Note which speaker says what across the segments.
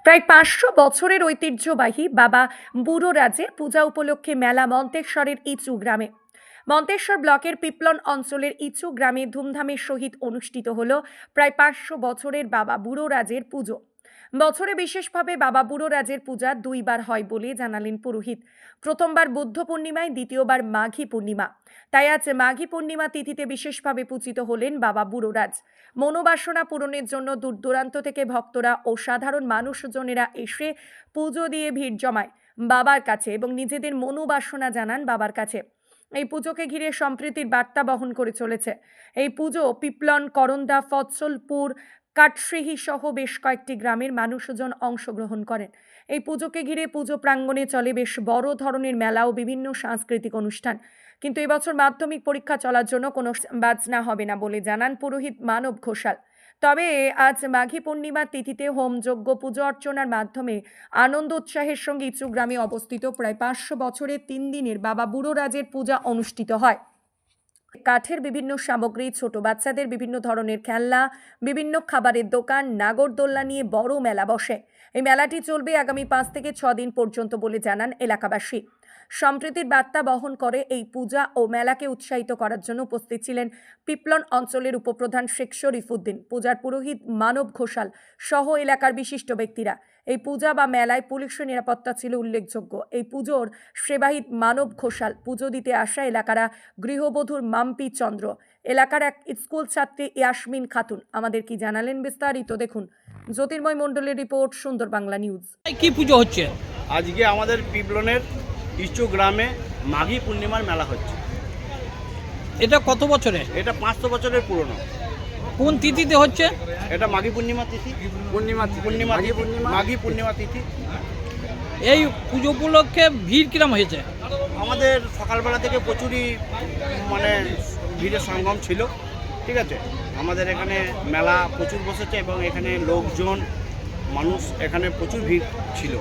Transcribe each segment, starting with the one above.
Speaker 1: প্রায় ৫০০ বছরের ঐতিহ্যবাহী বাবা বুড়োরাজের পূজা উপলক্ষে মেলা মন্তেশ্বরের ইচু গ্রামে। মন্তেশ্বর ব্লকের পিপলন অঞ্চলের ইচু গ্রামে ধুমধামের সহিত অনুষ্ঠিত হল প্রায় ৫০০ বছরের বাবা বুড়োরাজের পুজো। বছরে বিশেষভাবে বাবা বুড়োরাজের পূজা দুইবার হয় বলে জানালেন পুরোহিত। প্রথমবার বুদ্ধ পূর্ণিমায়, দ্বিতীয়বার মাঘী পূর্ণিমা। তাই আজ মাঘী পূর্ণিমা তিথিতে বিশেষভাবে পূজিত হলেন বাবা বুড়োরাজ। মনোবাসনা পূরণের জন্য দূর দূরান্ত থেকে ভক্তরা ও সাধারণ মানুষজনেরা এসে পুজো দিয়ে ভিড় জমায় বাবার কাছে এবং নিজেদের মনোবাসনা জানান বাবার কাছে। এই পুজোকে ঘিরে সম্প্রীতির বার্তা বহন করে চলেছে। এই পুজো পিপলন, করন্দা, ফৎসলপুর, কাটশিহি সহ বেশ কয়েকটি গ্রামের মানুষজন অংশগ্রহণ করেন। এই পুজোকে ঘিরে পুজো প্রাঙ্গণে চলে বেশ বড় ধরনের মেলা ও বিভিন্ন সাংস্কৃতিক অনুষ্ঠান। কিন্তু এবছর মাধ্যমিক পরীক্ষা চলার জন্য কোনো বাজনা হবে না বলে জানান পুরোহিত মানব ঘোষাল। তবে আজ মাঘী পূর্ণিমার তিথিতে হোমযজ্ঞ, পুজো অর্চনার মাধ্যমে আনন্দ উৎসাহের সঙ্গে ইচু গ্রামে অবস্থিত প্রায় ৫০০ বছরের ৩ দিনের বাবা বুড়োরাজের পূজা অনুষ্ঠিত হয়। কাঠের বিভিন্ন সামগ্রী, ছোট বাচ্চাদের বিভিন্ন ধরনের খেলনা, বিভিন্ন খাবারের দোকান, নাগরদোল্লা নিয়ে বড় মেলা বসে। এই মেলাটি চলবে আগামী ৫ থেকে ৬ দিন পর্যন্ত বলে জানান এলাকাবাসী। সম্প্রীতির বার্তা বহন করে এই পূজা ও মেলাকে উৎসাহিত করার জন্য উপস্থিত ছিলেন পিপলন অঞ্চলের উপপ্রধান শেখ শরীফউদ্দিন, পূজার পুরোহিত মানব ঘোষাল সহ এলাকার বিশিষ্ট ব্যক্তিরা। এই পূজা বা মেলায় পুলিশের নিরাপত্তা ছিল উল্লেখযোগ্য। এই পুজোর সেবাহিত মানব ঘোষাল, পুজো দিতে আসা এলাকারা গৃহবধূর মাম্পি চন্দ্র, এলাকার এক স্কুল ছাত্রী ইয়াসমিন খাতুন আমাদের কি জানালেন বিস্তারিত দেখুন। জ্যোতির্ময় মণ্ডলের রিপোর্ট, সুন্দর বাংলা নিউজ।
Speaker 2: কি পুজো হচ্ছে
Speaker 3: আজকে আমাদের পিপলনের ইচু গ্রামে মাঘী পূর্ণিমার মেলা হচ্ছে।
Speaker 2: এটা কত বছরে?
Speaker 3: এটা ৫০০ বছরের পুরনো।
Speaker 2: কোন তিথিতে হচ্ছে?
Speaker 3: এটা মাঘী পূর্ণিমা তিথি। মাঘী পূর্ণিমা তিথি।
Speaker 2: এই পুজো উপলক্ষে ভিড় কিরম হয়েছে?
Speaker 3: আমাদের সকালবেলা থেকে প্রচুরই ভিড়ের সঙ্গম ছিল। ঠিক আছে, আমাদের এখানে মেলা প্রচুর বসেছে এবং এখানে লোকজন, মানুষ এখানে প্রচুর ভিড় ছিল।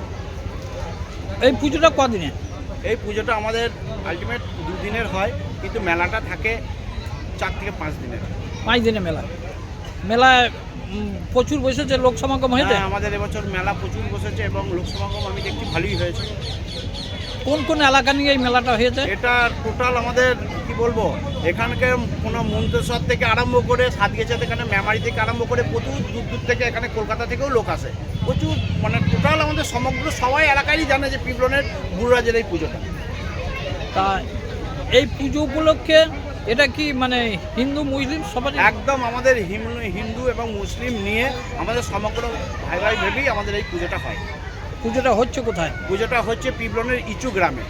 Speaker 2: এই পুজোটা কদিনে?
Speaker 3: এই পুজোটা আমাদের আলটিমেট 2 দিনের হয়, কিন্তু মেলাটা থাকে 4 থেকে 5 দিনের।
Speaker 2: 5 দিনে মেলায় প্রচুর বসেছে, লোক সমাগম হয়েছে।
Speaker 3: আমাদের এবছর মেলা প্রচুর বসেছে এবং লোক সমাগম আমি দেখছি ভালোই হয়েছে।
Speaker 2: কোন কোন এলাকা নিয়ে এই মেলাটা হয়েছে?
Speaker 3: এটা টোটাল আমাদের কি বলবো, এখানকার কোনো মন্তেশ্বর থেকে আরম্ভ করে সাতগেছা থেকে, মেমারি থেকে আরম্ভ করে প্রচুর দূর দূর থেকে, এখানে কলকাতা থেকেও লোক আসে প্রচুর। টোটাল আমাদের সমগ্র সবাই এলাকারই জানে যে পিপলনের বুড়োরাজের এই পুজোটা।
Speaker 2: তা এই পুজো উপলক্ষে এটা কি হিন্দু মুসলিম সবাই?
Speaker 3: একদম আমাদের হিন্দু এবং মুসলিম নিয়ে আমাদের সমগ্র ভাই ভাই ভেবেই আমাদের এই পুজোটা হয়।
Speaker 2: পুজোটা হচ্ছে কোথায়?
Speaker 3: পুজোটা হচ্ছে পিপলনের ইচু গ্রামে।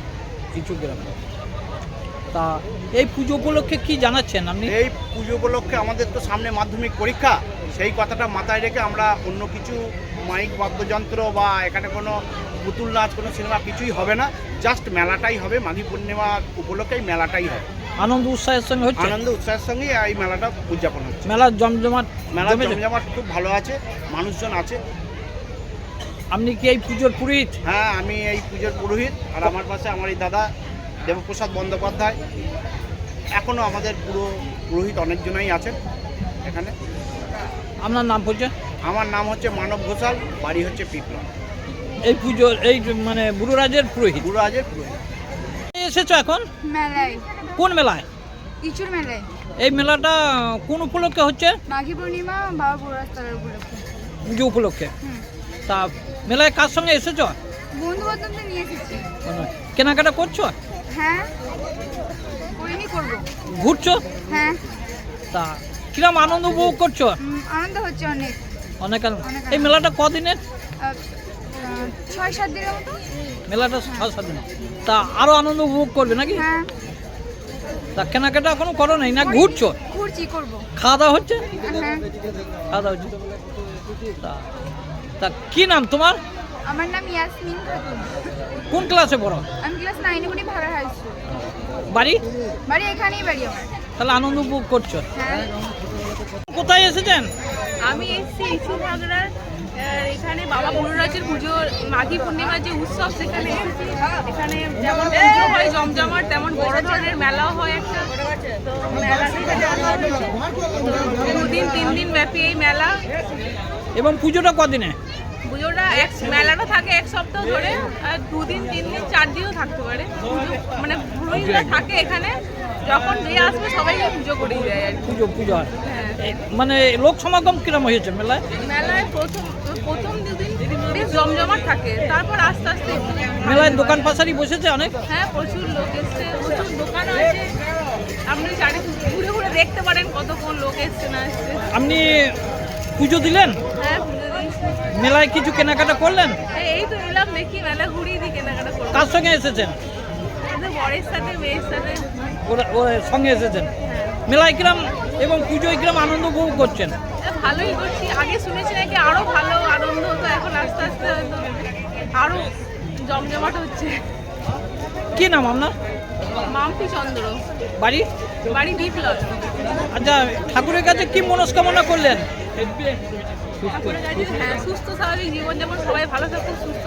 Speaker 2: তা এই পুজো উপলক্ষে কি জানাচ্ছেন আপনি?
Speaker 3: এই পুজো উপলক্ষে আমাদের তো সামনে মাধ্যমিক পরীক্ষা, সেই কথাটা মাথায় রেখে আমরা অন্য কিছু মাইক বাদ্যযন্ত্র বা এখানে কোনো পুতুল নাচ, কোনো সিনেমা কিছুই হবে না, জাস্ট মেলাটাই হবে। মাঘী পূর্ণিমা উপলক্ষে এই মেলাটাই হয়।
Speaker 2: আনন্দ উৎসাহের সঙ্গে হচ্ছে?
Speaker 3: আনন্দ উৎসাহের সঙ্গে এই মেলাটা উদযাপন হচ্ছে।
Speaker 2: মেলার জমজমাট
Speaker 3: খুব ভালো আছে, মানুষজন আছে।
Speaker 2: আপনি কি এই পুজোর পুরোহিত?
Speaker 3: হ্যাঁ, আমি এই পুজোর পুরোহিত। আর আমার পাশে আমার এই দাদা দেবপ্রসাদ বন্দ্যোপাধ্যায়। এখনও আমাদের পুরোহিত অনেকজনই আছেন এখানে।
Speaker 2: আপনার নাম পরিচয়?
Speaker 3: আমার নাম হচ্ছে মানব ঘোষাল, বাড়ি হচ্ছে পিপলন।
Speaker 2: এই পুজোর এই বুড়োরাজের পুরোহিত।
Speaker 3: বুড়োরাজের পুরোহিত।
Speaker 2: এসেছো এখন
Speaker 4: মেলায়?
Speaker 2: কোন মেলায়?
Speaker 4: ইচুর মেলায়।
Speaker 2: এই মেলাটা কোন উপলক্ষে হচ্ছে?
Speaker 4: মাঘী পূর্ণিমা, বাবা বুড়োরাজ তলার উপলক্ষে।
Speaker 2: পুজো উপলক্ষে। তা মেলায় কার সঙ্গে এসেছো?
Speaker 4: বন্ধু বান্ধবদের নিয়ে এসেছি।
Speaker 2: কেনাকাটা করছো?
Speaker 4: হ্যাঁ, করিনি, করবো।
Speaker 2: ঘুরছো?
Speaker 4: হ্যাঁ।
Speaker 2: তা কিরম আনন্দ উপভোগ করছো?
Speaker 4: আনন্দ হচ্ছে অনেক।
Speaker 2: অনেক আনন্দ। এই মেলাটা কদিনের?
Speaker 4: 6-7 দিনের মতো।
Speaker 2: মেলাটা 6-7 দিন। তা আরো আনন্দ উপভোগ করবে নাকি?
Speaker 4: হ্যাঁ।
Speaker 2: তা কেনাকাটা এখনো করো নাই না ঘুরছো?
Speaker 4: ঘুরছি, করবো।
Speaker 2: খাওয়া দাওয়া হচ্ছে?
Speaker 4: হ্যাঁ।
Speaker 2: খাওয়া দাওয়া হচ্ছে। তা কি নাম তোমার?
Speaker 4: আমার নাম ইয়াসমিন খাতুন।
Speaker 2: কোন ক্লাসে পড়ো?
Speaker 4: আমি ক্লাস 9-এ পড়ি, ভাড়া হাই স্কুল।
Speaker 2: বাড়ি
Speaker 4: এখানেই বাড়ি আমার।
Speaker 2: তাহলে আনন্দ উপভোগ করছো?
Speaker 4: হ্যাঁ।
Speaker 2: কোথায় এসেছেন?
Speaker 5: আমি এসেছি ইচু ভাগড়ার এখানে বাবা বুড়োরাজের পুজো, মাঘী পূর্ণিমার যে উৎসব, সেখানে এসেছি। এখানে যেমন পুজো হয় জমজমাট, তেমন বড় ধরনের মেলাও হয় একটা। তো মেলা 2 দিন 3 দিন ব্যাপী এই মেলা।
Speaker 2: এবং পুজোটা কদিনে?
Speaker 5: পুজোটা মেলাটা থাকে এক সপ্তাহ ধরে, আর 2 দিন 3 দিন 4 দিনও থাকতে পারে। মানে পুরোহিতরা থাকে এখানে, যখন যে আসবে সবাইকে পুজো করিয়ে দেয় আর কি।
Speaker 2: পুজো হয়।
Speaker 5: হ্যাঁ।
Speaker 2: মানে লোক সমাগম কিরম হয়েছে মেলায়?
Speaker 5: মেলায় প্রথম 2 দিন বেশ জমজমাট থাকে, তারপর আস্তে আস্তে
Speaker 2: মেলায় দোকান পাশারি বসেছে অনেক।
Speaker 5: হ্যাঁ, প্রচুর লোক এসছে, প্রচুর দোকান আছে। আপনি ঘুরে ঘুরে দেখতে পারেন কতক্ষণ লোক এসছে না এসছে।
Speaker 2: আপনি পুজো দিলেন?
Speaker 5: হ্যাঁ, পুজো দিয়েছি।
Speaker 2: মেলায় কিছু কেনাকাটা করলেন?
Speaker 5: এই তো এলাম, দেখি মেলা ঘুরিয়ে দিই, কেনাকাটা করবো।
Speaker 2: কার সঙ্গে এসেছেন?
Speaker 5: আমাদের বরের সাথে মেয়ের সাথে।
Speaker 2: ওর সঙ্গে এসেছেন। মেলায় কিরম এবং পুজোয় কিরম আনন্দ উপভোগ করছেন?
Speaker 5: ভালোই করছি। আগে শুনেছি নাকি আরো ভালো আনন্দ হতো, এখন আস্তে আস্তে হয়তো আরো জমজমাট হচ্ছে।
Speaker 2: কি নাম আপনার?
Speaker 5: মাম্পি চন্দ্র,
Speaker 2: বাড়ি?
Speaker 5: বাড়ি বিপ্লব।
Speaker 2: আচ্ছা, ঠাকুরের কাছে কি মনস্কামনা করলেন?
Speaker 5: ঠাকুরের কাছে হ্যাঁ, সুস্থ স্বাভাবিক জীবনযাপন, সবাই ভালো থাকুক, সুস্থ